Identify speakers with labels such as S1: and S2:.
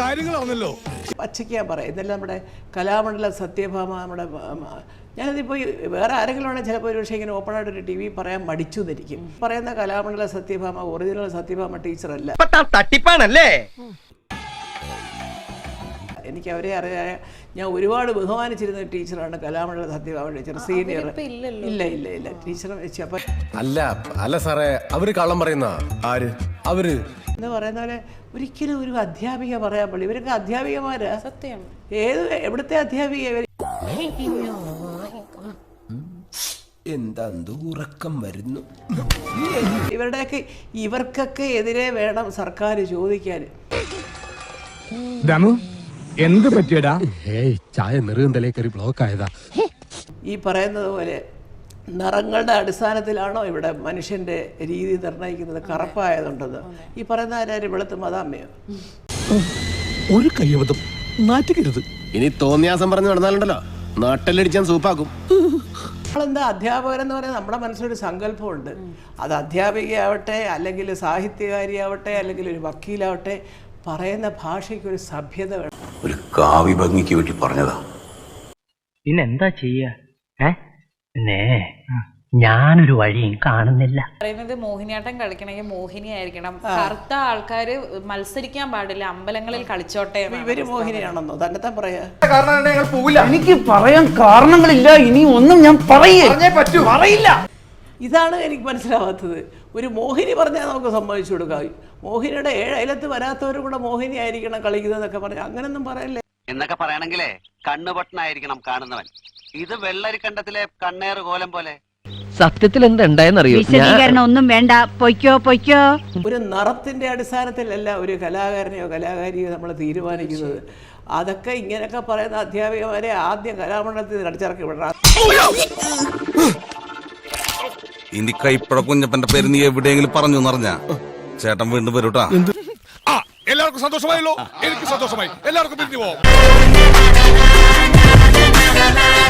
S1: കാര്യങ്ങളാണല്ലോ.
S2: പച്ചയ്ക്ക് ഞാൻ പറയാം, ഇതെല്ലാം നമ്മുടെ കലാമണ്ഡലം സത്യഭാമ, നമ്മുടെ ഞാനതിപ്പോൾ വേറെ ആരെങ്കിലും ആണെങ്കിൽ ചിലപ്പോൾ ഒരു പക്ഷേ ഇങ്ങനെ ഓപ്പണായിട്ടൊരു ടി വി പറയാൻ മടിച്ചു എന്നിരിക്കും. പറയുന്ന കലാമണ്ഡലം സത്യഭാമ ഒറിജിനൽ സത്യഭാമ ടീച്ചറല്ല.
S3: തട്ടിപ്പാണല്ലേ?
S2: എനിക്ക് അവരെ അറിയാൻ ഞാൻ ഒരുപാട് ബഹുമാനിച്ചിരുന്ന ടീച്ചറാണ് കലാമണ്ഡലം സത്യഭാമ ടീച്ചർ, സീനിയർ. ഇല്ല ഇല്ല ഇല്ല ടീച്ചറെ വെച്ച്. അപ്പം
S4: അല്ല സാറേ, അവര് കള്ളം പറയുന്ന ആര്? അവര്
S2: എന്ന് പറയുന്ന പോലെ ഒരിക്കലും ഒരു അധ്യാപിക പറയാൻ പാടില്ല. ഇവരൊക്കെ അധ്യാപികമാരാ.
S5: സത്യം.
S2: എവിടുത്തെ അധ്യാപിക?
S4: എന്താ ഉറക്കം വരുന്നു.
S2: ഇവർക്കൊക്കെ എതിരെ വേണം സർക്കാർ ചോദിക്കാൻ.
S1: എന്ത് പറ്റിയടാ?
S4: ചായ നെറുകന്തലേ കയറി ബ്ലോക്ക് ആയതാ.
S2: ഈ പറയുന്നത് പോലെ നിറങ്ങളുടെ അടിസ്ഥാനത്തിലാണോ ഇവിടെ മനുഷ്യന്റെ രീതി നിർണ്ണയിക്കുന്നത്? കറുപ്പായതുണ്ടെന്ന് ഈ പറയുന്ന ആരും വെളുത്ത് മതാമ്മയോ?
S1: ഒരു കയ്യബദ്ധം നാറ്റിക്കരുത്.
S4: ഇനി തോന്നിയാസം പറഞ്ഞു നടന്നാലുണ്ടല്ലോ നാട്ടിലടിച്ചാൻ സൂപ്പാക്കും.
S2: നമ്മളെന്താ അധ്യാപകരെന്ന് പറയുന്നത് നമ്മുടെ മനസ്സിലൊരു സങ്കല്പമുണ്ട്. അത് അധ്യാപികയാവട്ടെ, അല്ലെങ്കിൽ സാഹിത്യകാരിയാവട്ടെ, അല്ലെങ്കിൽ ഒരു വക്കീലാവട്ടെ, പറയുന്ന ഭാഷയ്ക്ക് ഒരു സഭ്യത വേണം.
S6: ഒരു കാവ്യ ഭംഗിക്ക് വേണ്ടി പറഞ്ഞതാ.
S3: പിന്നെന്താ ചെയ്യാ? ഞാനൊരു വഴിയും കാണുന്നില്ല.
S5: പറയുന്നത് മോഹിനിയാട്ടം കളിക്കണമെങ്കിൽ മോഹിനി ആയിരിക്കണം. കറുത്ത ആൾക്കാര് മത്സരിക്കാൻ പാടില്ല, അമ്പലങ്ങളിൽ കളിച്ചോട്ടെ.
S2: ഇവര് മോഹിനിയാണെന്നോ തന്നെ പറയാ?
S3: എനിക്ക് പറയാൻ കാരണങ്ങളില്ല. ഇനി ഒന്നും ഞാൻ പറയില്ല.
S2: ഇതാണ് എനിക്ക് മനസ്സിലാവാത്തത്. ഒരു മോഹിനി പറഞ്ഞാൽ നമുക്ക് സമ്മതിച്ചു കൊടുക്കാം. മോഹിനിയുടെ 7 അയലത്ത് വരാത്തവരും കൂടെ മോഹിനി ആയിരിക്കണം കളിക്കുന്നതൊക്കെ പറഞ്ഞാൽ അങ്ങനൊന്നും പറയല്ലേ.
S7: എന്നൊക്കെ പറയണെങ്കിലേ കണ്ണുപൊട്ടനായിരിക്കണം കാണുന്നവൻ. ഇത് വെള്ളരിക്കണ്ടത്തിലെ കണ്ണേറ് കോലം പോലെ.
S3: സത്യത്തിൽ എന്തുണ്ടായെന്നറിയോ?
S8: വിശദീകരണം ഒന്നും വേണ്ട, പൊയ്ക്കോ.
S2: ഒരു നിറത്തിന്റെ അടിസ്ഥാനത്തിലല്ല ഒരു കലാകാരനെയോ കലാകാരിയോ നമ്മൾ തീരുമാനിക്കുന്നത്. അതൊക്കെ ഇങ്ങനെയൊക്കെ പറയുന്ന അധ്യാപികമാരെ ആദ്യം കലാമണ്ഡലത്തിൽ അടിച്ചിറക്കി വിടണം.
S9: ഇനി കൈപ്പട കുഞ്ഞപ്പന്റെ പേര് നീ എവിടെയെങ്കിലും പറഞ്ഞു എന്നറിഞ്ഞ ചേട്ടൻ വീണ്ടും വരൂട്ടാ.
S1: എല്ലാവർക്കും സന്തോഷമായല്ലോ. എനിക്ക് സന്തോഷമായി. എല്ലാവർക്കും പിരിഞ്ഞു പോവാം.